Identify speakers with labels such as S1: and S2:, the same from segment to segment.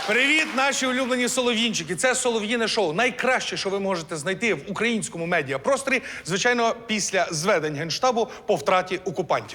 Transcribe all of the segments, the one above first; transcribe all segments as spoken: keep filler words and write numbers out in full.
S1: Привіт, наші улюблені солов'їнчики. Це солов'їне шоу. Найкраще, що ви можете знайти в українському медіапросторі, звичайно, після зведень Генштабу по втраті окупантів.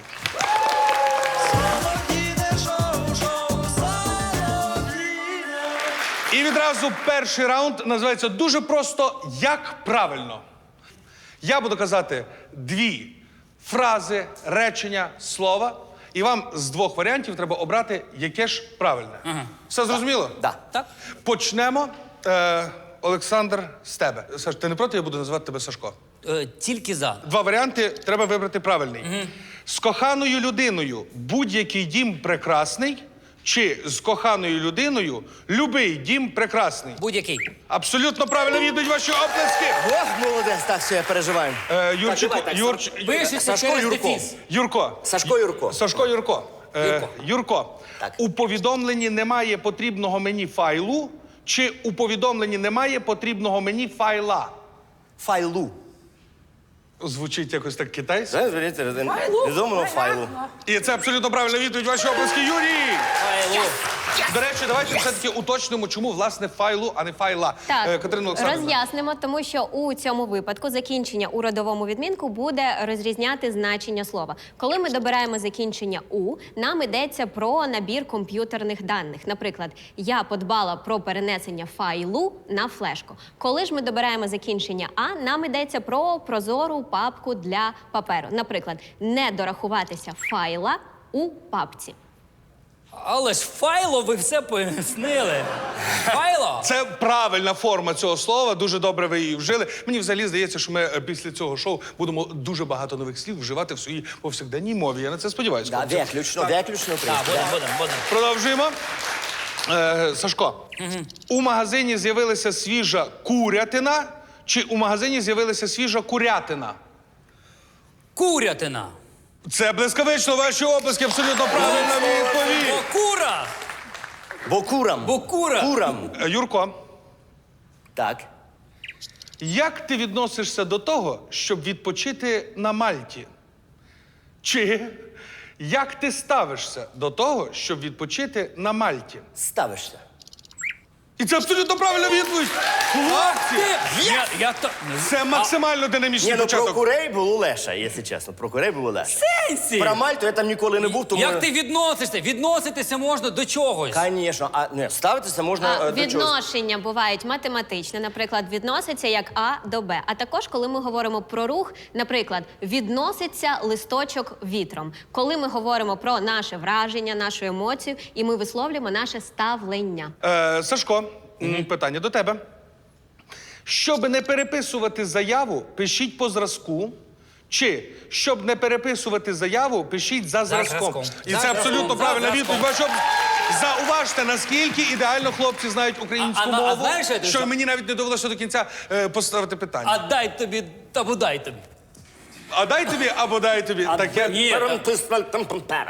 S1: І відразу перший раунд називається дуже просто «Як правильно?». Я буду казати дві фрази, речення, слова, і вам з двох варіантів треба обрати, яке ж правильне.
S2: Ага.
S1: Все зрозуміло?
S2: Да. Так.
S1: Почнемо. Е, Олександр, з тебе. Саш, ти не проти, я буду називати тебе Сашко?
S2: Е, тільки за.
S1: Два варіанти, треба вибрати правильний. Угу. З коханою людиною будь-який дім прекрасний, чи з коханою людиною любий дім прекрасний?
S2: Будь-який.
S1: Абсолютно правильно відповідь, ваші оплески.
S3: Ох, молодець, так, все, я переживаю.
S1: Е, Юрчику,
S3: Так, давай, так,
S1: Юрч...
S2: Пишеться
S3: Сашко
S2: через
S3: Юрко.
S2: дефіс.
S1: Юрко.
S3: Сашко Юрко.
S1: Сашко Юрко. Е,
S2: Юрко.
S1: Юрко.
S3: Так.
S1: У повідомленні немає потрібного мені файлу, чи у повідомленні немає потрібного мені файла?
S3: Файлу.
S1: Звучить якось так китайсько.
S3: Знаєш, звіріться, відомого файлу.
S1: І це абсолютно правильна відповідь, ваші оплески, Юрій!
S2: Файлу.
S1: До речі, давайте все-таки уточнимо, чому, власне, файлу, а не файла.
S4: Так,
S1: Е, Катерина Олександрівна.
S4: роз'яснимо, тому що у цьому випадку закінчення у родовому відмінку буде розрізняти значення слова. Коли ми добираємо закінчення «у», нам йдеться про набір комп'ютерних даних. Наприклад, я подбала про перенесення файлу на флешку. Коли ж ми добираємо закінчення «а», нам йдеться про прозору папку для паперу. Наприклад, не дорахуватися файла у папці.
S2: Але ж файло ви все пояснили. Файло?
S1: Це правильна форма цього слова, дуже добре ви її вжили. Мені взагалі здається, що ми е, після цього шоу будемо дуже багато нових слів вживати в своїй повсякденній мові. Я на це сподіваюся.
S3: Да,
S1: хлопці.
S3: виключно, виключно.
S2: Так, будемо, будемо, будемо.
S1: Продовжуємо. Е, Сашко, угу. У магазині з'явилася свіжа курятина, чи у магазині з'явилася свіжа курятина?
S2: Курятина.
S1: Це блискавично, ваші оплески, абсолютно правильна відповідь.
S2: Бокура.
S3: Бокурам.
S2: Бокура.
S3: Курам.
S1: Е, Юрко,
S3: Так.
S1: як ти відносишся до того, щоб відпочити на Мальті? Чи як ти ставишся до того, щоб відпочити на Мальті?
S3: Ставишся.
S1: І це абсолютно правильна відповідь. Хлопці!
S2: Я, я то...
S1: Це максимально динамічний
S3: Ні, ну про
S1: початок.
S3: курей було легше, якщо чесно. Про курей було легше.
S2: Сенсі!
S3: Про Мальту я там ніколи не був, тому...
S2: Як ти відносишся? Відноситися можна до чогось.
S3: Звісно, а не, ставитися можна
S4: А,
S3: е, до чогось.
S4: відношення бувають математичне, наприклад, відноситься як А до Б. А також, коли ми говоримо про рух, наприклад, відноситься листочок вітром. Коли ми говоримо про наше враження, нашу емоцію, і ми висловлюємо наше ставлення.
S1: Е, Сашко, м, питання до тебе. Щоб не переписувати заяву, пишіть по зразку. Чи, щоб не переписувати заяву, пишіть за зразком.
S2: зразком.
S1: І
S2: За
S1: це
S2: зразком,
S1: абсолютно
S2: за
S1: правильна
S2: зразком.
S1: відповідь. Ваші об- Зауважте, наскільки ідеально хлопці знають українську
S2: А- а- а
S1: мову,
S2: знаєш, що я тобі
S1: що
S2: скажу?
S1: мені навіть не довелося до кінця е, поставити питання.
S2: А дай тобі, або дай тобі.
S1: А дай тобі або дай тобі. Таке...
S2: ні.
S3: Перем ти спель- там- там- пера.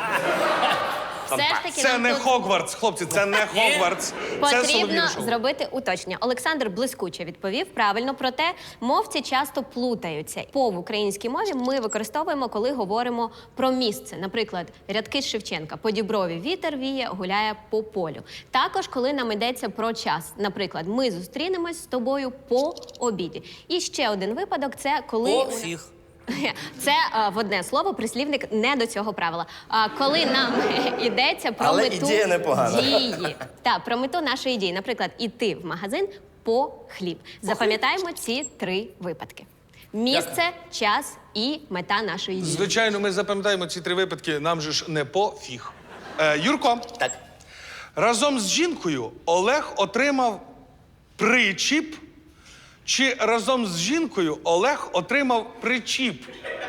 S4: Все ж таки
S1: Це
S4: нам
S1: не
S4: тут
S1: Хогвартс, хлопці, це не Хогвартс. Це
S4: потрібно
S1: солов'їне шоу.
S4: зробити уточнення. Олександр блискуче відповів правильно, проте мовці часто плутаються. По в українській мові ми використовуємо, коли говоримо про місце. Наприклад, рядки з Шевченка. По Діброві вітер віє, гуляє по полю. Також, коли нам йдеться про час. Наприклад, ми зустрінемось з тобою по обіді. І ще один випадок – це коли...
S2: По всіх.
S4: Це а, в одне слово, прислівник не до цього правила. А коли нам йдеться про
S3: Але
S4: мету
S3: ідея непогана.
S4: дії. Так, про мету нашої дії. Наприклад, іти в магазин по хліб. Запам'ятаємо ці три випадки. Місце, час і мета нашої дії.
S1: Звичайно, ми запам'ятаємо ці три випадки, нам же ж не пофіг. Е, Юрко,
S3: Так.
S1: разом з жінкою Олег отримав причіп, чи разом з жінкою Олег отримав причіп?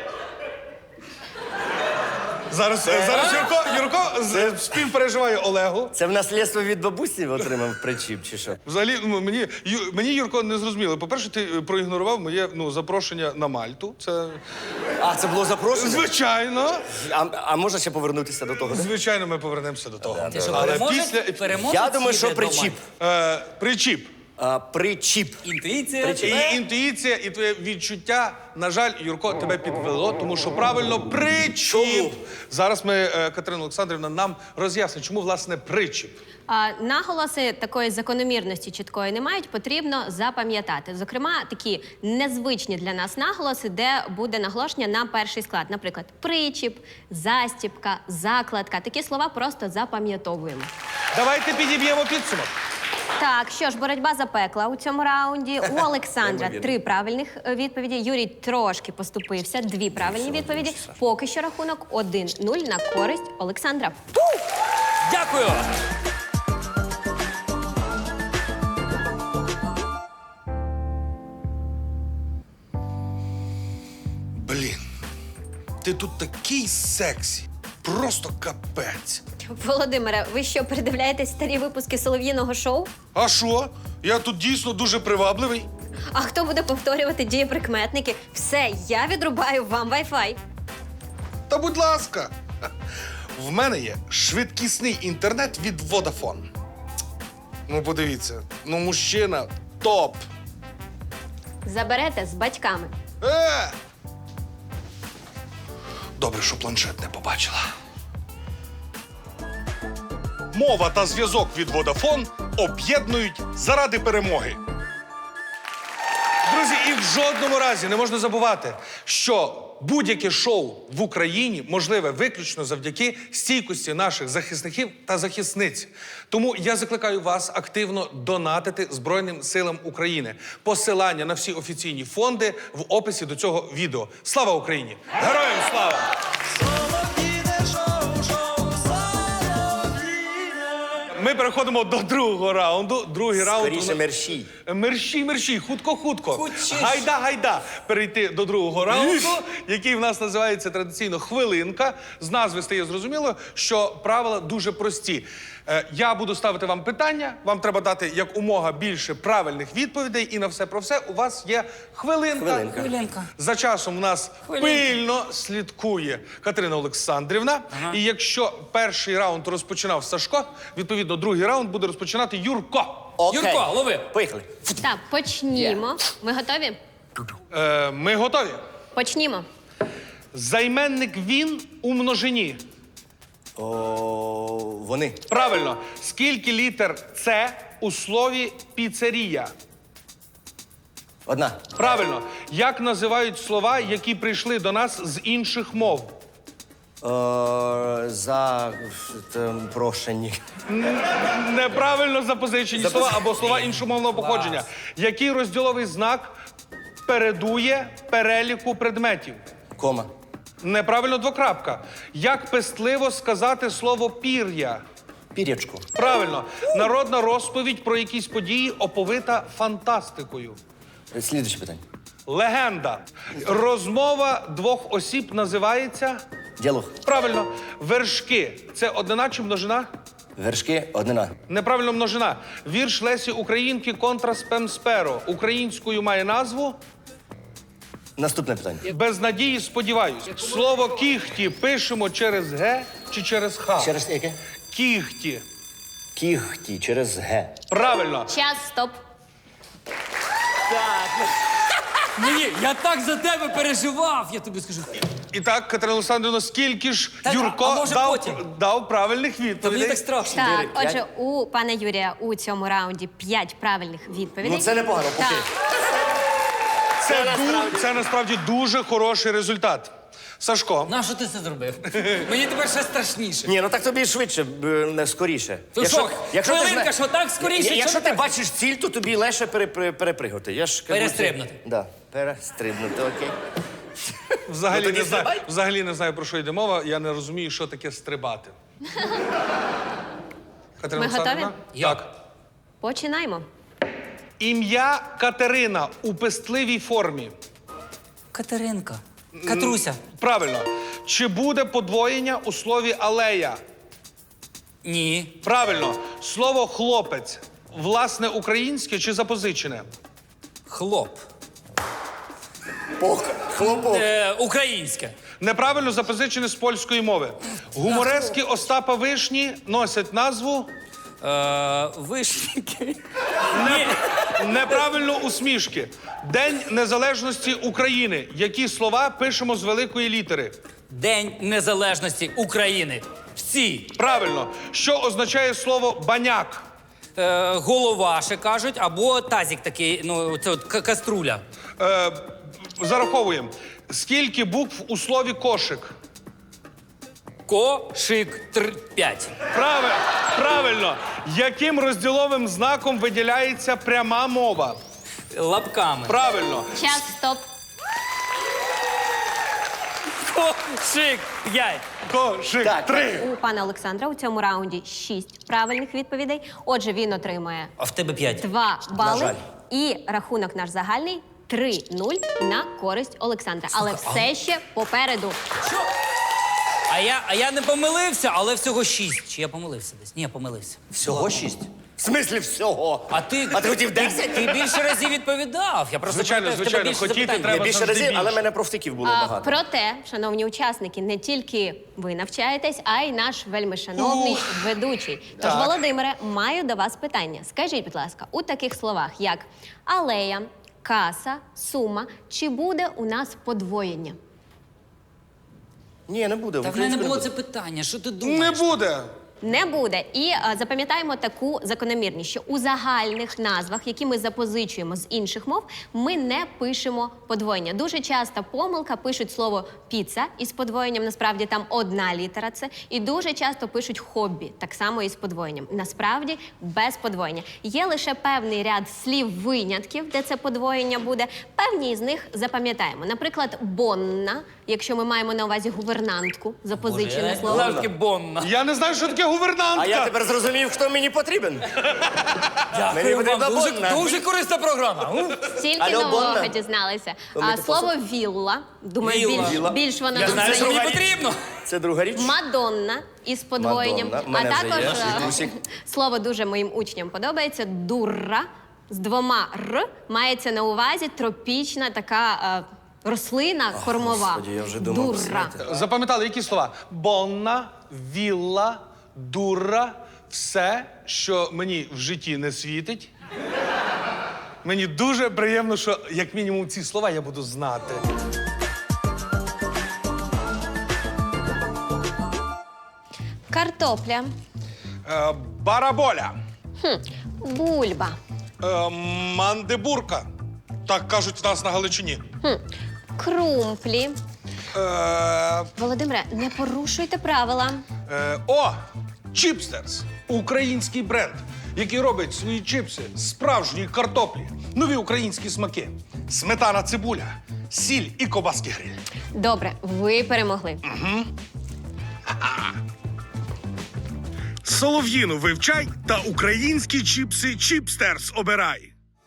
S1: Зараз, е, зараз Юрко, Юрко з- співпереживає Олегу.
S3: Це в наслідство від бабусі отримав причіп, чи що?
S1: Взагалі, ну, мені, Ю- мені Юрко, не зрозуміло. По-перше, ти е, проігнорував моє ну, запрошення на Мальту. Це
S3: А, це було запрошення?
S1: звичайно.
S3: А, а можна ще повернутися до того?
S1: Звичайно, ми повернемося до того.
S2: Ти що,
S1: Але
S2: переможець?
S1: після
S2: Переможець
S3: Я думаю,
S2: їде
S3: що
S2: до
S3: причіп.
S2: Мальти.
S1: е, причіп.
S3: А, причіп.
S2: Інтуїція.
S1: І інтуїція, і твоє відчуття, на жаль, Юрко, тебе підвело, тому що правильно причіп.
S3: Чому?
S1: Зараз ми, е, Катерина Олександрівна, нам роз'яснить, чому, власне, причіп.
S4: А, наголоси такої закономірності чіткої не мають, потрібно запам'ятати. Зокрема, такі незвичні для нас наголоси, де буде наголошення на перший склад. Наприклад, причіп, застіпка, закладка. Такі слова просто запам'ятовуємо.
S1: Давайте підіб'ємо підсумок.
S4: Так, що ж, боротьба запекла у цьому раунді. У Олександра три правильних е, відповіді. Юрій трошки поступився. Дві правильні відповіді. Поки що рахунок один нуль на користь Олександра.
S2: Дякую.
S1: Блін, ти тут такий сексі. Просто капець.
S4: Володимире, ви що, передивляєтесь старі випуски солов'їного шоу?
S1: А що? Я тут дійсно дуже привабливий.
S4: А хто буде повторювати дієприкметники? Все, я відрубаю вам Wi-Fi.
S1: Та будь ласка. В мене є швидкісний інтернет від Vodafone. Ну, подивіться, ну мужчина топ.
S4: Заберете з батьками.
S1: Е! Добре, що планшет не побачила. Мова та зв'язок від Vodafone об'єднують заради перемоги. Друзі, і в жодному разі не можна забувати, що будь-яке шоу в Україні можливе виключно завдяки стійкості наших захисників та захисниць. Тому я закликаю вас активно донатити Збройним силам України. Посилання на всі офіційні фонди в описі до цього відео. Слава Україні! Героям слава! Ми переходимо до другого раунду. Другий раунд.
S3: Скоріше мерщій.
S1: Мерщій, мерщій, хутко, хутко.
S2: Хутчіш.
S1: Гайда, гайда. Перейти до другого раунду, який в нас називається традиційно хвилинка. З назви стає зрозуміло, що правила дуже прості. Е, Я буду ставити вам питання, вам треба дати як умога більше правильних відповідей, і на все про все у вас є хвилинка.
S3: Хвилинка.
S2: Хвилинка.
S1: За часом в нас
S2: Хвилинка.
S1: пильно слідкує Катерина Олександрівна. І якщо перший раунд розпочинав Сашко, відповідно, другий раунд буде розпочинати Юрко.
S3: Окей.
S2: Юрко, лови.
S3: Поїхали.
S4: Так, почнімо. Ви готові?
S1: Е, ми готові.
S4: Почнімо.
S1: Займенник він у множині.
S3: О, вони.
S1: Правильно. Скільки літер С у слові піцерія?
S3: Одна.
S1: Правильно. Як називають слова, які прийшли до нас з інших мов?
S3: О, за там, прошені.
S1: Неправильно запозичені слова або слова іншомовного походження. Який розділовий знак передує переліку предметів?
S3: Кома.
S1: Неправильно двокрапка. Як пестливо сказати слово пір'я?
S3: Пірячку.
S1: Правильно. Народна розповідь про якісь події оповита фантастикою.
S3: Слідуюче питання.
S1: Легенда. Розмова двох осіб називається...
S3: Діалог.
S1: Правильно. Вершки. Це однина чи множина?
S3: Вершки. Однина.
S1: Неправильно множина. Вірш Лесі Українки «Контра спем сперо» українською має назву
S3: Наступне питання.
S1: «Без надії сподіваюсь». Слово «кіхті» пишемо через «г» чи через «х»?
S3: Ще раз яке?
S1: Кіхті.
S3: Кіхті через Г.
S1: Правильно.
S4: Час, стоп.
S2: Мені, я так за тебе переживав, я тобі скажу.
S1: І так, Катерина Олександрівна, скільки ж
S2: Так,
S1: Юрко
S2: а може
S1: дав,
S2: потім?
S1: дав правильних
S2: Та мені
S1: відповідей?
S2: так страшно.
S4: Так,
S3: Чотири, п'ять.
S4: отже, у пана Юрія у цьому раунді п'ять правильних відповідей.
S3: Ну, це непогано, поки.
S4: Так.
S1: Це, ду- це насправді дуже хороший результат. Сашко,
S2: Нащо ти це зробив? Мені тепер ще страшніше.
S3: Ні, ну так тобі швидше, б, не скоріше.
S2: То що, хвилинка,
S3: зна-
S2: що так скоріше,
S3: Я-
S2: що
S3: Якщо
S2: не
S3: ти
S2: так?
S3: бачиш ціль, то тобі легше пере- пере- перепригнути. Я ж кажу,
S2: Перестрибнути.
S3: це- Да, перестрибнути, окей.
S1: взагалі,
S3: Ну, тоді
S1: не знаю,
S3: стрибай.
S1: взагалі не знаю, про що йде мова. Я не розумію, що таке стрибати. Катерина
S4: Ми готові?
S1: Олександрівна?
S2: Я.
S1: Так.
S4: Починаємо.
S1: Ім'я Катерина у пестливій формі.
S2: Катеринка. Катруся.
S1: Правильно. Чи буде подвоєння у слові алея?
S2: Ні.
S1: Правильно. Слово хлопець. Власне українське чи запозичене?
S2: Хлоп.
S3: Пох, хлопок.
S2: Е, українське.
S1: Неправильно запозичене з польської мови. Гуморески Остапа Вишні носять назву
S2: Е, вишеньки. Ні.
S1: Неправильно усмішки. День Незалежності України. Які слова пишемо з великої літери?
S2: День Незалежності України. Всі.
S1: Правильно. Що означає слово баняк?
S2: Е, голова, ще кажуть, або тазик такий, ну, це от ка- каструля.
S1: Е, зараховуємо. Скільки букв у слові кошик?
S2: Кошик тр п'ять.
S1: Правильно. Правильно. Яким розділовим знаком виділяється пряма мова?
S2: Лапками.
S1: Правильно.
S4: Час, стоп.
S2: Кошик п'ять.
S1: Кошик.
S3: Так.
S1: Три.
S4: У пана Олександра у цьому раунді шість правильних відповідей. Отже, він отримує
S2: А в тебе п'ять.
S4: два бали.
S3: жаль.
S4: І рахунок наш загальний три нуль на користь Олександра. Але все ще попереду.
S2: А я, а я не помилився, але всього шість. Чи я помилився десь? Ні, я помилився.
S3: Всього шість? В смислі всього?
S2: А ти,
S3: А ти хотів десять?
S2: Ти більше разів відповідав. Я просто
S1: Звичайно,
S2: пам'ятаю, в тебе
S1: звичайно,
S2: більше
S1: хотіти
S2: запитань.
S1: треба.
S3: Я більше
S1: завжди
S3: разів, але
S1: більше.
S3: мене профтиків було
S4: А,
S3: багато.
S4: проте, шановні учасники, не тільки ви навчаєтесь, а й наш вельми шановний ведучий. Тож,
S3: Так.
S4: Володимире, маю до вас питання. Скажіть, будь ласка, у таких словах, як алея, каса, сума, чи буде у нас подвоєння?
S3: Ні, не буде.
S2: Та в мене не було
S3: буде.
S2: це питання. Що ти
S1: Не
S2: думаєш?
S1: буде.
S4: Не буде. І е, запам'ятаємо таку закономірність, що у загальних назвах, які ми запозичуємо з інших мов, ми не пишемо подвоєння. Дуже часто помилка пишуть слово піца із подвоєнням, насправді там одна літера це. І дуже часто пишуть хобі, так само із подвоєнням. Насправді без подвоєння. Є лише певний ряд слів-винятків, де це подвоєння буде. Певні з них запам'ятаємо. Наприклад, бонна, якщо ми маємо на увазі гувернантку, запозичене
S2: Я
S4: слово.
S2: завжди бонна.
S1: Я не знаю, що таке гувернантка.
S3: А я тепер зрозумів, хто мені потрібен.
S2: Дякую
S3: Мені
S2: вам.
S3: потрібна
S2: Дуже,
S3: бонна.
S2: дуже корисна програма. У.
S4: Стільки
S3: Алло,
S4: нового
S3: Бонна?
S4: дізналися.
S3: То ми
S4: А
S3: тут
S4: слово вілла, думаю,
S2: Вілла.
S4: більш,
S3: Вілла.
S4: більш воно
S2: Я
S4: нам
S2: знаю, що мені
S4: знайоме.
S2: потрібно.
S3: Це друга річ.
S4: Мадонна із подвоєнням.
S3: Мадонна.
S4: А
S3: Мене вже
S4: також
S3: є.
S4: е,
S3: Світусік.
S4: слово дуже моїм учням подобається. Дурра з двома р мається на увазі тропічна така е, рослина кормова.
S3: Господи, я вже думав,
S4: Дурра.
S3: знаєте.
S1: Запам'ятали, які слова? Бонна, вілла, дура, все, що мені в житті не світить. Мені дуже приємно, що як мінімум ці слова я буду знати.
S4: Картопля,
S1: Е, бараболя,
S4: бульба,
S1: е, мандибурка. Так кажуть в нас на Галичині.
S4: крумплі.
S1: Е,
S4: Володимире, не порушуйте правила.
S1: е, о, Чіпстерс. Український бренд, який робить свої чіпси з справжньої картоплі. Нові українські смаки. Сметана, цибуля, сіль і кобаски гриль.
S4: Добре, ви перемогли.
S1: Солов'їну вивчай та українські чіпси Чіпстерс обирай.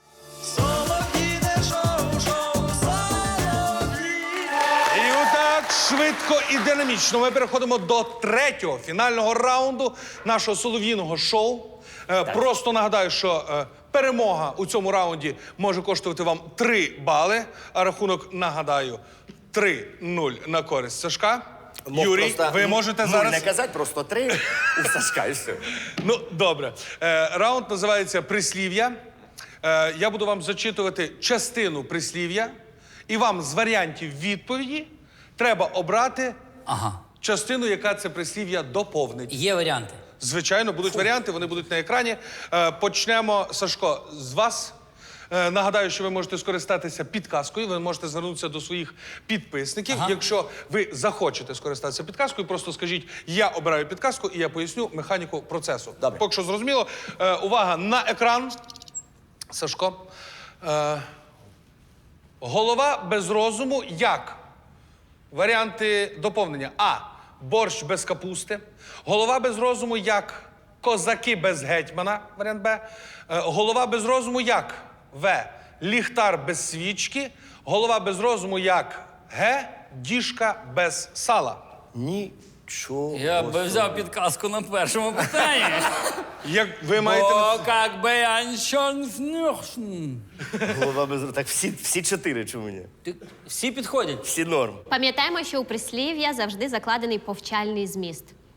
S1: І отак швидко і динамічно ми переходимо до третього фінального раунду нашого солов'їного шоу. Е, Просто нагадаю, що е, перемога у цьому раунді може коштувати вам три бали, а рахунок, нагадаю, три нуль на користь Сашка.
S3: Мог
S1: Юрій,
S3: просто
S1: ви можете
S3: нуль
S1: зараз...
S3: не казати, просто три у Сашка і все.
S1: Ну, добре. Е, раунд називається «Прислів'я». Е, я буду вам зачитувати частину прислів'я, і вам з варіантів відповіді треба обрати
S2: Ага.
S1: частину, яка це прислів'я доповнить.
S2: Є варіанти.
S1: Звичайно, будуть варіанти, вони будуть на екрані. Е, почнемо, Сашко, з вас. Е, нагадаю, що ви можете скористатися підказкою, ви можете звернутися до своїх підписників.
S2: Ага.
S1: Якщо ви захочете скористатися підказкою, просто скажіть, я обираю підказку і я поясню механіку процесу.
S3: Добре.
S1: Поки що зрозуміло. Е, увага на екран. Сашко. Е, голова без розуму як? Варіанти доповнення. А. Борщ без капусти. Голова без розуму як? Козаки без гетьмана. Варіант Б. Е, голова без розуму як? В. Ліхтар без свічки. Голова без розуму як? Г. Діжка без сала.
S3: Нічого.
S2: Я би взяв підказку на першому питанні.
S1: Як ви маєте...
S2: Бо как би аншон фнюшн.
S3: Голова без... Так всі, всі чотири чому ні?
S2: Ти- Всі підходять.
S3: Всі норм.
S4: Пам'ятаємо, що у прислів'я завжди закладений повчальний зміст.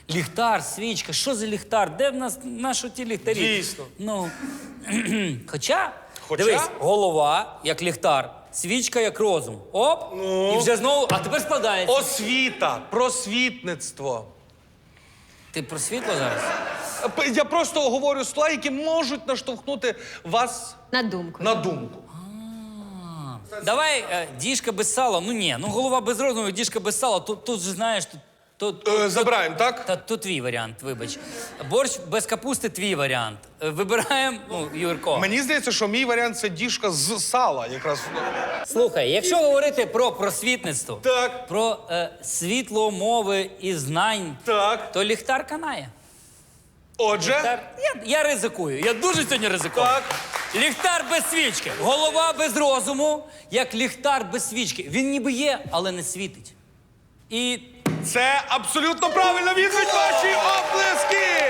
S2: Ліхтар, свічка, що за ліхтар? Де в нас наші ті ліхтарі?
S1: Дійсно.
S2: Ну, хоча,
S1: Хоча?
S2: дивись, голова як ліхтар, свічка як розум. Оп,
S1: Ну?
S2: і вже знову, а тепер складається.
S1: Освіта, просвітництво.
S2: Ти про світло зараз?
S1: П- Я просто говорю слова, які можуть наштовхнути вас
S4: На думку.
S1: на думку.
S2: Давай е, діжка без сала. Ну ні, ну голова без розуму, діжка без сала. Тут, тут же знаєш, тут, тут,
S1: Е, забираємо, так?
S2: Та то твій варіант, вибач. Борщ без капусти твій варіант. Е, Вибираємо, ну, Юрко.
S1: Мені здається, що мій варіант це діжка з сала, якраз.
S2: Слухай, якщо говорити про просвітництво,
S1: Так.
S2: про е, світло мови і знань,
S1: Так.
S2: то ліхтар канає.
S1: Отже,
S2: Ліхтар, я, я ризикую, я дуже сьогодні ризикую.
S1: Так.
S2: Ліхтар без свічки, голова без розуму, як ліхтар без свічки. Він ніби є, але не світить. І
S1: це абсолютно правильна відповідь, ваші оплески!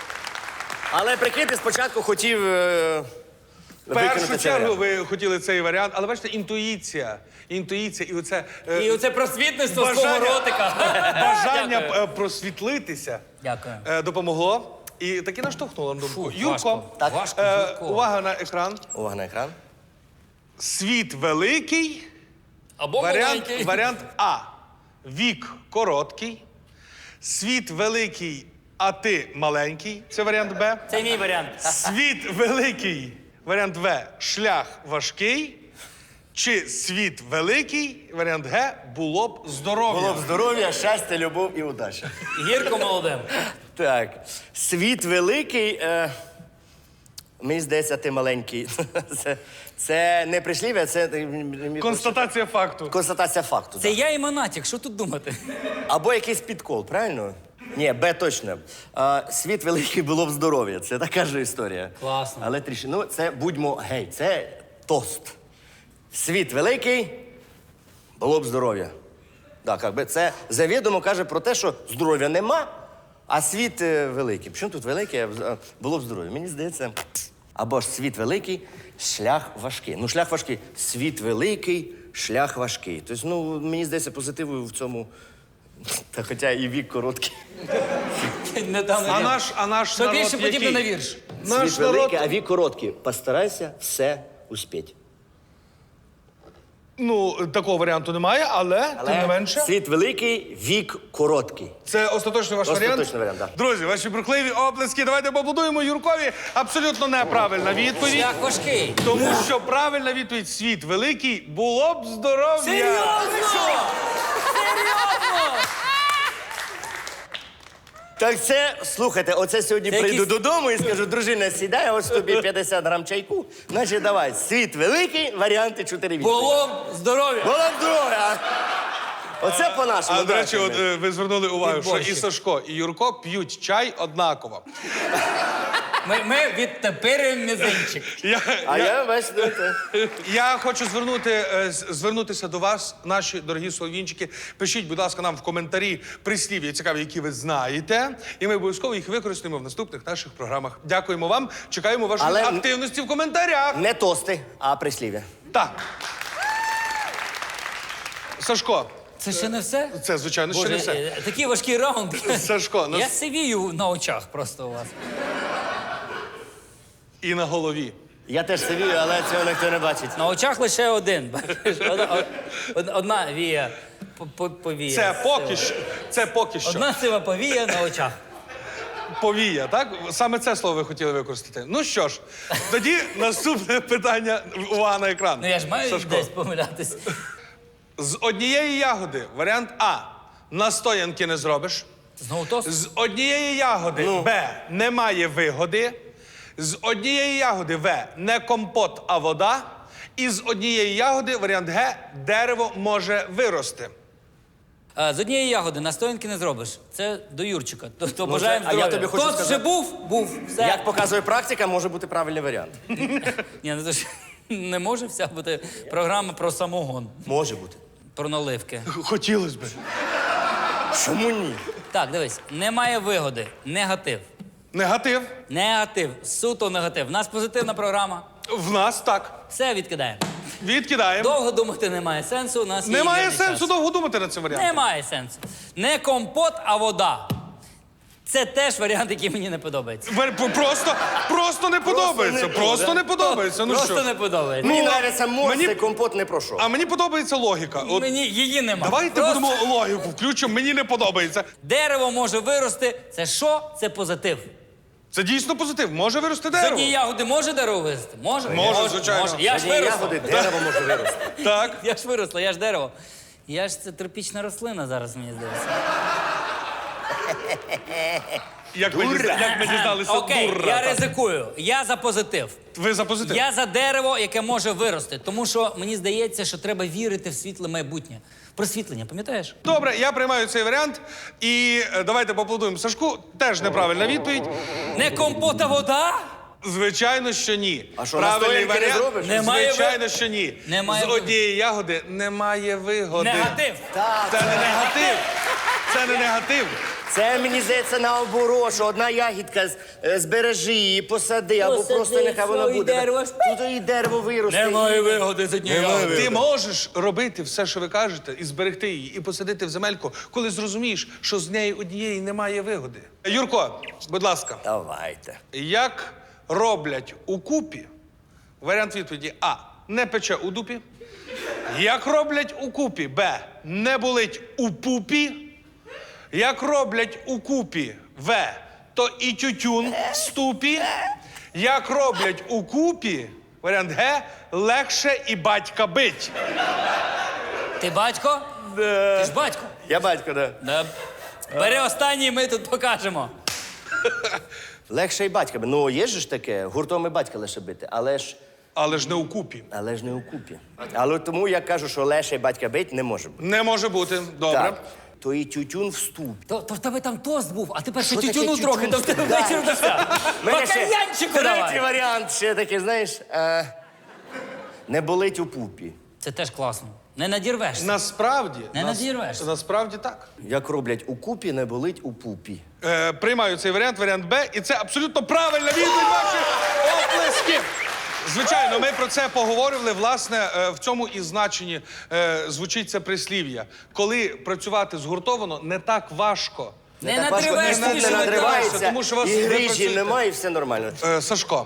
S3: Але прикиньте, спочатку хотів е,
S1: В першу
S3: викинути цей
S1: чергу
S3: варіант.
S1: ви хотіли цей варіант, але бачите, інтуїція. Інтуїція і оце е,
S2: І оце просвітництво з
S1: бажання-
S2: твого ротика.
S1: бажання
S2: Дякую.
S1: е, просвітлитися
S2: Дякую.
S1: е, допомогло. І таки наштовхнуло на думку.
S2: Фу,
S1: Юрко,
S2: важко.
S3: Так.
S2: Важко,
S1: е,
S2: Юрко.
S1: увага на екран.
S3: Увага на екран.
S1: Світ великий,
S2: Або
S1: варіант,
S2: маленький.
S1: варіант А. Вік короткий. Світ великий, а ти маленький. Це варіант Б.
S2: Це мій варіант.
S1: Світ великий, варіант В. Шлях важкий. Чи світ великий, варіант Г. Було б здоров'я.
S3: Було б здоров'я, щастя, любов і удача.
S2: Гірко молодим.
S3: Так, світ великий. Е, мені здається, ти маленький. Це, це не прислів'я, це е,
S1: Констатація факту.
S3: констатація факту.
S2: Це
S3: да.
S2: я і Монатік, що тут думати?
S3: Або якийсь підкол, правильно? Ні, Б точно. А, світ великий було б здоров'я. Це така ж історія.
S2: Класно.
S3: Але трішки. Ну, це будьмо гей, це тост. Світ великий, було б здоров'я. Так, як би це завідомо каже про те, що здоров'я нема, а світ е, великий. Чому тут великий, а вз- а було б здоров'я? Мені здається, або ж світ великий, шлях важкий. Ну, шлях важкий. Світ великий, шлях важкий. Тобто, ну, мені здається, позитиву в цьому. Та хоча і вік короткий.
S2: Не там,
S1: А наш, а наш
S2: Що
S1: народ
S2: більше подібне
S1: який?
S2: на вірш.
S1: Наш
S3: Світ
S1: народ,
S3: великий, а вік короткий. Постарайся все успіть.
S1: ну, такого варіанту немає, але, тим не менше.
S3: Світ великий, вік короткий.
S1: Це остаточний ваш
S3: Остаточний
S1: варіант?
S3: варіант, так.
S1: Друзі, ваші брехливі оплески. Давайте поаплодуємо Юркові. Абсолютно неправильна відповідь.
S2: Шлях важкий.
S1: Тому що правильна відповідь світ великий було б здоров'я.
S2: Серйозно?
S3: Так це, слухайте, оце сьогодні
S2: Це
S3: прийду
S2: якісь-
S3: додому і скажу, дружина, сідай, ось тобі п'ятдесят грам чайку. Значить, давай, світ великий, варіанти чотири відповіді.
S2: Було б здоров'я.
S3: Було б здоров'я. Оце по-нашому.
S1: А, до речі, от, е, ви звернули увагу, що і
S2: Підборщик.
S1: Сашко, і Юрко п'ють чай однаково.
S2: Ми, ми відтепирюємо мізинчик.
S1: Я,
S3: А
S1: я,
S3: я, бачите, це.
S1: я хочу звернути, е, з- звернутися до вас, наші дорогі солов'їнчики. Пишіть, будь ласка, нам в коментарі прислів'я цікаві, які ви знаєте. І ми обов'язково їх використаємо в наступних наших програмах. Дякуємо вам. Чекаємо вашої
S3: Але-
S1: активності в коментарях.
S3: Не тости, а прислів'я.
S1: Так. Сашко,
S2: Це ще не все?
S1: це, звичайно, ще
S2: Боже,
S1: не все.
S2: е, такий важкий раунд.
S1: Сашко, ну,
S2: Я сивію на очах просто у вас.
S1: і на голові.
S3: Я теж сивію, але цього ніхто не бачить.
S2: На очах лише один. бачиш? Одна, од- одна вія по- по- повія.
S1: Це поки
S2: сива.
S1: що. Це поки що.
S2: Одна сива повія на очах.
S1: Повія, так? Саме це слово ви хотіли використати. Ну що ж, тоді наступне питання. Увага на екран.
S2: Ну я ж маю
S1: Сашко.
S2: десь помилятись.
S1: З однієї ягоди варіант А. Настоянки не зробиш.
S2: Знову тост?
S1: З однієї ягоди
S3: Ну.
S1: Б. Немає вигоди. З однієї ягоди В. Не компот, а вода. І з однієї ягоди варіант Г. Дерево може вирости.
S2: А, з однієї ягоди настоянки не зробиш. Це до Юрчика. Тобто бажаємо
S3: це- а я
S2: здоров'я.
S3: тобі хочу
S2: Тост
S3: сказати-
S2: вже був? Був. Все.
S3: Як показує практика, може бути правильний варіант.
S2: Ні, ну то ж не може вся бути програма про самогон,
S3: Може бути.
S2: про наливки.
S1: Хотілося б.
S3: Чому ні?
S2: Так, дивись, немає вигоди. Негатив.
S1: Негатив.
S2: Негатив. Суто негатив. У нас позитивна програма.
S1: В нас так.
S2: Все відкидаємо.
S1: Відкидаємо.
S2: Довго думати немає сенсу. У нас є
S1: Немає
S2: вільний
S1: сенсу
S2: час.
S1: довго думати над цим варіантом.
S2: Немає сенсу. Не компот, а вода. Це теж варіант, який мені не подобається.
S1: Вер- Просто, просто не подобається.
S3: не
S1: Просто
S3: буде.
S1: не подобається. Ну
S2: Просто
S1: що?
S2: не подобається.
S3: Мені
S1: Ну,
S3: нравиться морс,
S1: мені-
S3: і компот не пройшов.
S1: А мені подобається логіка. От
S2: Мені її нема.
S1: давайте
S2: Просто
S1: будемо логіку включимо. Мені не подобається.
S2: Дерево може вирости. Це що? Це позитив.
S1: Це дійсно позитив. Може вирости
S2: З
S1: дерево.
S2: однієї ягоди може дерево вирости? Може?
S1: Може, звичайно.
S2: Може. Я ж
S3: Одні
S2: виросла.
S3: ягоди, дерево може вирости.
S1: Так.
S2: Я ж виросла, я ж дерево. Я ж це тропічна рослина зараз, мені здається.
S1: Як ми, дізна- як ми дізналися,
S2: Окей,
S1: дура.
S2: я
S1: так.
S2: ризикую. Я за позитив.
S1: Ви за позитив?
S2: Я за дерево, яке може вирости. Тому що мені здається, що треба вірити в світле майбутнє. Просвітлення, пам'ятаєш?
S1: Добре, я приймаю цей варіант. І е, давайте поаплодуємо Сашку. Теж неправильна відповідь.
S2: Не компот, а вода?
S1: Звичайно, що ні.
S3: А що,
S1: Правильний
S3: настоянки не
S1: варіант.
S3: зробиш?
S2: Немає ви-
S1: Звичайно, що ні.
S2: Немає
S1: З
S2: ви-
S1: однієї ягоди немає вигоди.
S2: Негатив.
S1: Це не негатив. Це не негатив.
S3: Це, мені здається, наоборот, що одна ягідка з- е, збережи її, посади, або
S2: Посади,
S3: просто нехай вона
S2: що, і
S3: буде.
S2: дерево.
S3: Тут і дерево виросте.
S2: Немає
S3: і-
S2: вигоди з однієї ягоди.
S1: Ти можеш робити все, що ви кажете, і зберегти її, і посадити в земельку, коли зрозумієш, що з неї однієї немає вигоди. Юрко, будь ласка,
S3: Давайте.
S1: як роблять у купі? Варіант відповіді А. Не пече у дупі. Як роблять у купі? Б. Не болить у пупі. Як роблять у купі? В. То і тютюн в ступі. Як роблять у купі? Варіант Г. Легше і батька бить.
S2: Ти батько? Ти ж батько.
S3: Я батько, да.
S2: Да. Бери останній, ми тут покажемо.
S3: Легше і батька. би. Ну, є ж ж таке, гуртом і батька лише бити, але ж,
S1: Але ж не у купі.
S3: але ж не у купі. Але тому я кажу, що легше і батька бить не може бути.
S1: Не може бути. Добре.
S3: Так. То і тютюн в ступі.
S2: То, то в тебе там тост був, а тепер ще
S3: Що таке
S2: тютюну
S3: тютюн?
S2: трохи, то в тебе
S3: Да.
S2: вечір дошка.
S3: Мене ще
S2: Бакальянчику
S3: Третій
S2: давай.
S3: варіант ще такий, знаєш, е, не болить у пупі.
S2: Це теж класно. Не надірвешся.
S1: Насправді,
S2: Не
S1: нас-
S2: надірвешся.
S1: насправді так.
S3: Як роблять у купі, не болить у пупі.
S1: Е, приймаю цей варіант, варіант Б, і це абсолютно правильна відповідь ваші оплески. Звичайно, ми про це поговорили. Власне, е, в цьому і значенні е, звучить це прислів'я. Коли працювати згуртовано, не так важко.
S2: Не
S3: Так важко,
S2: надриваєш
S3: не
S2: тобі,
S3: не
S2: що
S3: надривається,
S1: тому що вас
S3: і
S1: ви
S3: грижі
S1: працюєте.
S3: немає, і все нормально.
S1: Е, Сашко,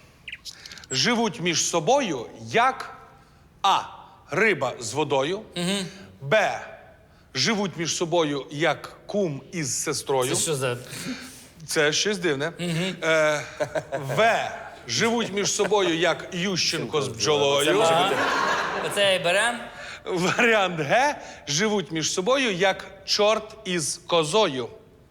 S1: живуть між собою як А. Риба з водою, Б. Живуть між собою як кум із сестрою.
S2: Це що за...
S1: Це щось дивне. Е, В. Живуть між собою як Ющенко з бджолою.
S2: Оце і берем.
S1: Варіант Г. Живуть між собою як чорт із козою.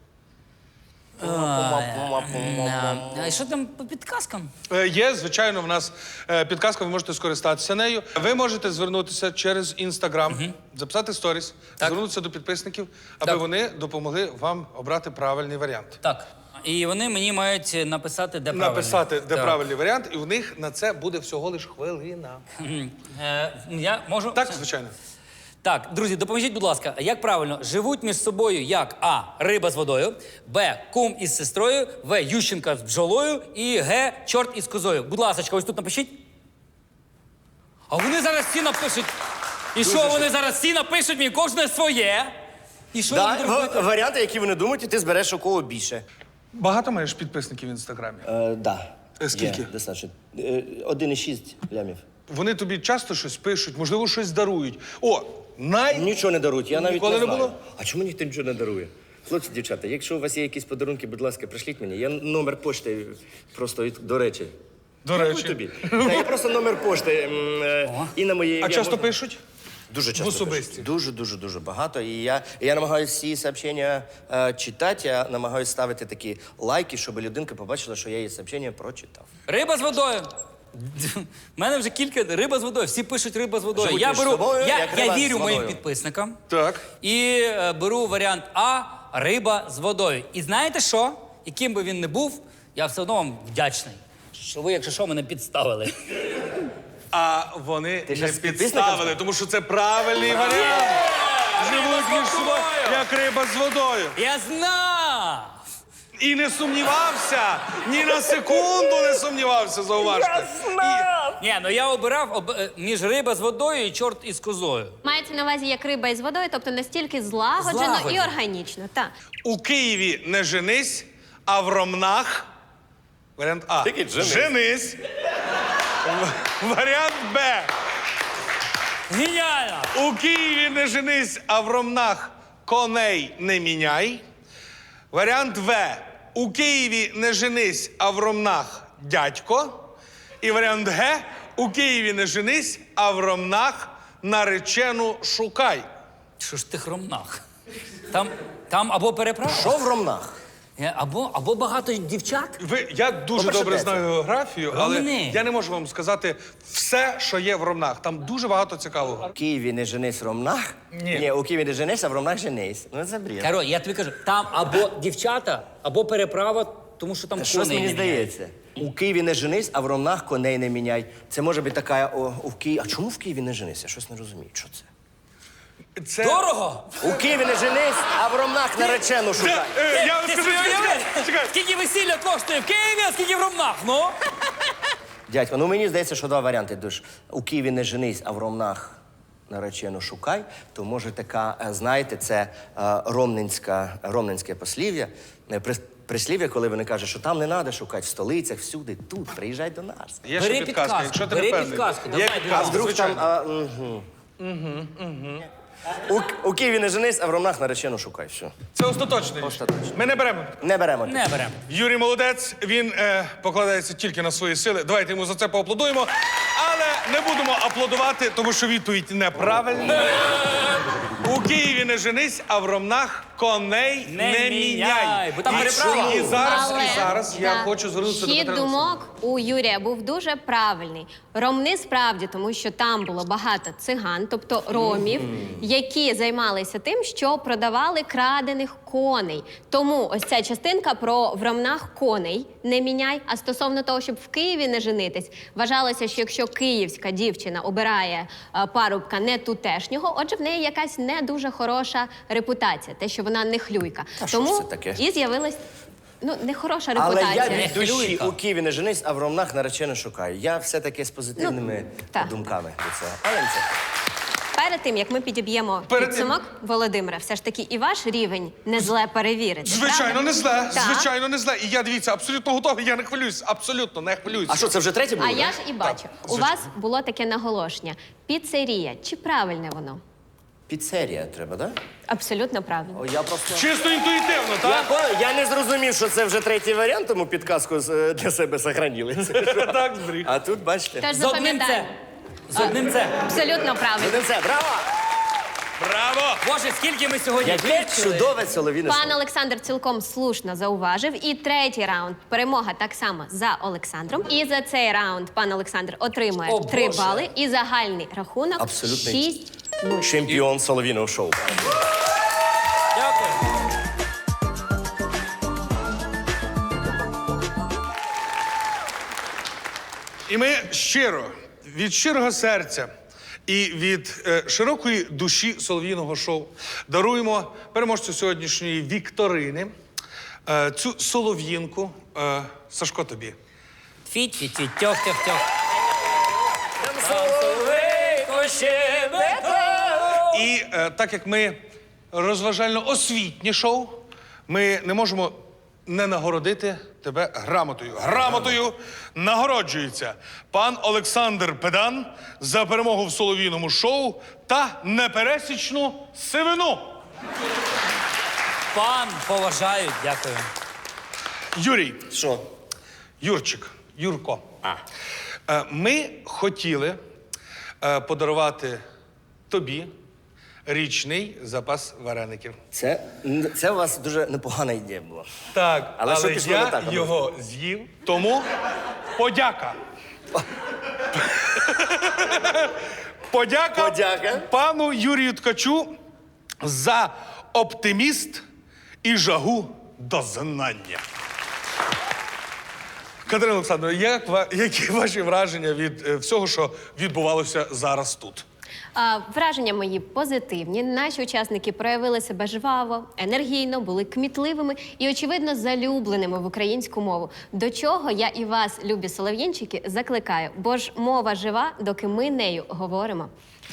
S2: А що там по підказкам?
S1: Е, Є, звичайно, в нас е, підказка, ви можете скористатися нею. Ви можете звернутися через інстаграм, записати сторіс, звернутися до підписників, аби
S2: Так.
S1: вони допомогли вам обрати правильний варіант.
S2: Так. І вони мені мають написати, де правильно.
S1: Написати, де
S2: Так.
S1: правильний варіант, і в них на це буде всього лиш хвилина.
S2: Мгм. Е, я можу?
S1: Так, звичайно.
S2: Так, друзі, допоможіть, будь ласка, як правильно живуть між собою як А. Риба з водою, Б. Кум із сестрою, В. Ющенка з бджолою і Г. Чорт із козою. Будь ласка, ось тут напишіть. А вони зараз всі напишуть. І що вони зараз всі напишуть мені кожне своє? І що я
S3: Да,
S2: буду робити?
S3: в- варіанти, які вони думають, і ти збереш у кого більше.
S1: Багато маєш підписників в інстаграмі?
S3: Е, да.
S1: Е, скільки?
S3: Є, достатньо. Е, один і шість лямів.
S1: Вони тобі часто щось пишуть, можливо, щось дарують. О, най...
S3: Нічого не дарують, я навіть
S1: Ніколи
S3: не
S1: не
S3: знаю.
S1: було?
S3: А чому ніхто нічого не дарує? Хлопці, дівчата, якщо у вас є якісь подарунки, будь ласка, пришліть мені. Я номер пошти просто від- до речі.
S1: До
S3: Дякую
S1: речі.
S3: тобі. Та я просто номер пошти м, е, і на моє
S1: А
S3: ім'я
S1: часто
S3: можна-
S1: пишуть?
S3: Дуже часто.
S1: В особисті?
S3: пишуть. Дуже, дуже, дуже багато. І я, і я намагаюся всі сообщення е, читати, я намагаюся ставити такі лайки, щоб людинка побачила, що я її сообщення прочитав.
S2: Риба з водою. У мене вже кілька риба з водою. Всі пишуть риба з водою.
S3: Живуть
S2: я
S3: між
S2: беру,
S3: собою,
S2: я,
S3: як
S2: я
S3: риба з
S2: вірю моїм
S3: водою.
S2: підписникам.
S1: Так.
S2: І е, беру варіант А риба з водою. І знаєте що? Яким би він не був, я все одно вам вдячний. Що ви, якщо що, мене підставили.
S1: А вони
S3: Ти
S1: не
S3: ж з підписником
S1: підставили,
S3: став?
S1: тому що це правильний варіант. Живуть між собою, як риба з водою.
S2: Я знав!
S1: І не сумнівався, ні на секунду не сумнівався, зауважте.
S2: Ні, ну я обирав об... е, між риба з водою і чорт із козою.
S4: Мається на увазі як риба із водою, тобто настільки злагоджено і
S2: Злагоджено.
S4: органічно. Так.
S1: У Києві не женись, а в Ромнах. Варіант А.
S3: Тільки женись.
S1: Женись. В- Варіант Б.
S2: Геніально!
S1: У Києві не женись, а в Ромнах коней не міняй. Варіант В. У Києві не женись, а в Ромнах дядько. І варіант Г. У Києві не женись, а в Ромнах наречену шукай.
S2: Що ж ти хромнах? Там, там або переправа,
S3: Що в Ромнах?
S2: е, або, або багато дівчат.
S1: Ви, я дуже
S3: По-перше,
S1: добре
S3: де
S1: знаю
S3: це?
S1: географію, але
S2: Ромни.
S1: я не можу вам сказати все, що є в Ромнах. Там дуже багато цікавого.
S3: В Києві не женись в Ромнах?
S1: Ні.
S3: Ні, у Києві не женись, а в Ромнах женись. Ну це бред.
S2: Коротше, я тобі кажу, там або дівчата, або переправа, тому що там
S3: Та щось
S2: коней
S3: мені
S2: не міняють.
S3: здається. У Києві не женись, а в Ромнах коней не міняй. Це може бути така о, у Києві. А чому в Києві не женись? Я щось не розумію. Що це?
S1: Це...
S2: Дорого?
S3: У Києві не женись, а в Ромнах наречену
S1: Це,
S3: шукай.
S1: е, я вам
S2: Ти
S1: скажу,
S2: собі
S1: чекай,
S2: уяви?
S1: чекай.
S2: Скільки весілля коштує в Києві, а скільки в Ромнах, ну?
S3: Дядько, ну мені здається, що два варіанти. Душ. У Києві не женись, а в Ромнах наречену шукай. То може така, е, знаєте, це е, ромненська, ромненське послів'я. е, прис- Прислів'я, коли вони кажуть, що там не треба шукати, в столицях, всюди, тут, приїжджай до нас.
S1: Є
S2: Бери
S1: ще підказка,
S2: підказку,
S1: якщо ти
S2: бери
S1: не певний.
S2: підказку,
S1: Є
S2: давай,
S1: підказка,
S3: А вдруг
S1: звичайно.
S3: там. А, угу. Угу. У, у Києві не женись, а в Ромнах наречену шукай. Все.
S1: Це остаточне рішення.
S3: Остаточне.
S1: Ми не беремо.
S3: Не беремо.
S2: Не беремо.
S1: Юрій молодець, він е, покладається тільки на свої сили. Давайте йому за це поаплодуємо. Але не будемо аплодувати, тому що відповідь неправильна. У Києві не женись, а в Ромнах коней
S2: Не
S1: не,
S2: міняй,
S1: міняй.
S2: бо там
S1: І
S2: переправа.
S1: чому? І зараз,
S4: Але,
S1: і зараз я
S4: да,
S1: хочу звернутися до
S4: хід
S1: Катерини
S4: думок у Юрія був дуже правильний. Ромни справді, тому що там було багато циган, тобто ромів, які займалися тим, що продавали крадених коней. Тому ось ця частинка про в Ромнах коней не міняй. А стосовно того, щоб в Києві не женитись, вважалося, що якщо київська дівчина обирає е, парубка не тутешнього, отже, в неї якась не дуже хороша репутація, те, що вона не хлюйка.
S3: Та що
S4: Тому
S3: ж це таке?
S4: і з'явилась ну нехороша
S3: Але
S4: репутація.
S3: я від душі
S2: Хвилюйка.
S3: у Києві не женись, а в Ромнах наречену шукаю. Я все-таки з позитивними
S4: Ну, так.
S3: думками до цього. Але це.
S4: Перед тим, як ми підіб'ємо
S1: Перед тим-
S4: підсумок, Володимире, все ж таки і ваш рівень не зле перевірити.
S1: Звичайно,
S4: правда?
S1: не зле.
S4: Так.
S1: Звичайно, не зле. І я, дивіться, абсолютно готовий, я не хвилююсь. Абсолютно не хвилююсь.
S3: А що, це вже третє було?
S4: А
S3: да?
S4: я ж і бачу, у вас було таке наголошення. Піцерія. Чи правильне воно?
S3: Піцерія треба, так? Да?
S4: Абсолютно правильно.
S3: О, я просто.
S1: Чисто інтуїтивно,
S3: Я,
S1: так?
S3: по- я не зрозумів, що це вже третій варіант, тому підказку з- е, для себе сохранили.
S1: Так, збріг.
S3: А тут, бачите.
S4: Тож
S2: З одним це.
S4: запам'ятаємо.
S2: З одним це.
S4: Абсолютно правильно.
S3: Один це, браво!
S1: Браво!
S2: Боже, скільки ми сьогодні
S3: Яке
S2: вивчили.
S3: чудове соловіне
S4: Пан
S3: шоу.
S4: Олександр цілком слушно зауважив. І третій раунд. Перемога так само за Олександром. І за цей раунд пан Олександр отримує
S2: О,
S4: три
S2: Боже.
S4: бали. І загальний рахунок
S3: Абсолютний
S4: шість нуль.
S3: Чемпіон соловіного шоу.
S2: Дякую.
S1: І ми щиро, від щирого серця і від е, широкої душі солов'їного шоу даруємо переможцю сьогоднішньої вікторини е, цю солов'їнку. Е, Сашко, тобі.
S2: Фі-фі-фі, тьох-тьох-тьох. Соловейко щебетало.
S1: І е, так як ми розважально-освітнє шоу, ми не можемо не нагородити тебе грамотою. Грамотою нагороджується пан Олександр Педан за перемогу в солов'їному шоу та непересічну сивину.
S2: Пан поважають, дякую.
S1: Юрій,
S3: Що?
S1: Юрчик, Юрко. Е, Ми хотіли е, подарувати тобі річний запас вареників.
S3: Це, це у вас дуже непогана ідея була.
S1: Так,
S3: Але
S1: але,
S3: що пішло не
S1: я
S3: так,
S1: його з'їв, тому подяка. подяка.
S3: Подяка.
S1: Пану Юрію Ткачу за оптиміст і жагу до знання. Катерина Олександровна, як, ва- які ваші враження від е, всього, що відбувалося зараз тут?
S4: А, враження мої позитивні. Наші учасники проявили себе жваво, енергійно, були кмітливими і, очевидно, залюбленими в українську мову. До чого я і вас, любі солов'їнчики, закликаю, бо ж мова жива, доки ми нею говоримо.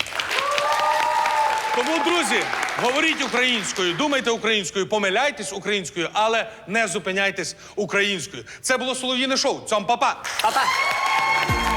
S1: Тому, друзі, говоріть українською, думайте українською, помиляйтесь українською, але не зупиняйтесь українською. Це було Солов'їне шоу. Цьом, па-па!
S3: Па-па!